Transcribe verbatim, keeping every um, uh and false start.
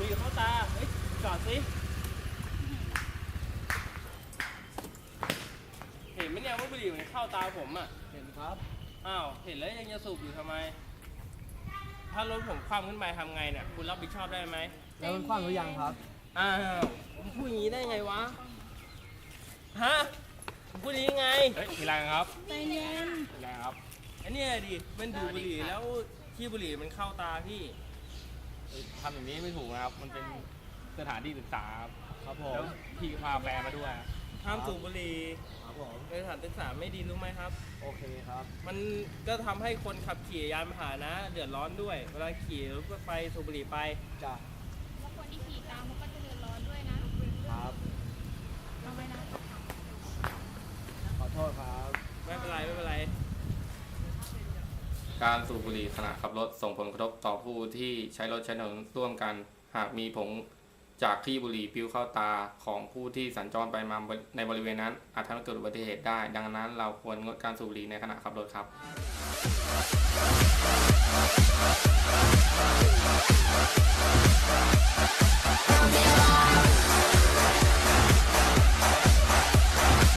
รี่เข้าตาเฮ้ยจอดสิเห็นไหมเนี่ยว่าบุหรี่มันเข้าตาผมอ่ะเห็นครับอ้าวเห็นแล้วยังจะสูบอยู่ทำไมถ้ารถผมคว่ำขึ้นไปทำไงเนี่ยคุณรับผิดชอบได้ไหมแล้วมันคว่ำหรือยังครับอ้าวผมพูดอย่างนี้ได้ไงวะฮะผมพูดอย่างนี้ไงเฮ้ยทีไรครับใจเย็นทีไรครับอันนี้ดิมันดูดบุหรี่แล้วขี้บุหรี่มันเข้าตาพี่ทำอย่างนี้ไม่ถูกนะครับมันเป็นสถานที่ศึกษาครับผมแล้วพี่พาแฟนมาด้วยห้ามสูบบุหรี่ครับผมในสถานศึกษาไม่ดีรู้ไหมครับโอเคครับมันก็ทำให้คนขับขี่ยานพาหนะเดือดร้อนด้วยเวลาขี่รถไฟสูบบุหรี่ไปจ้ะแล้วคนที่ขี่ตามมันก็จะเดือดร้อนด้วยนะครับเอาไว้นะขอโทษครับไม่เป็นไรไม่เป็นไรการสูบบุหรี่ขณะขับรถส่งผลกระทบต่อผู้ที่ใช้รถใช้ถนนร่วมกันหากมีผงจากขี้บุหรี่ปลิวเข้าตาของผู้ที่สัญจรไปมาในบริเวณนั้นอาจทำให้เกิดอุบัติเหตุได้ดังนั้นเราควรงดการสูบบุหรี่ในขณะขับรถครับ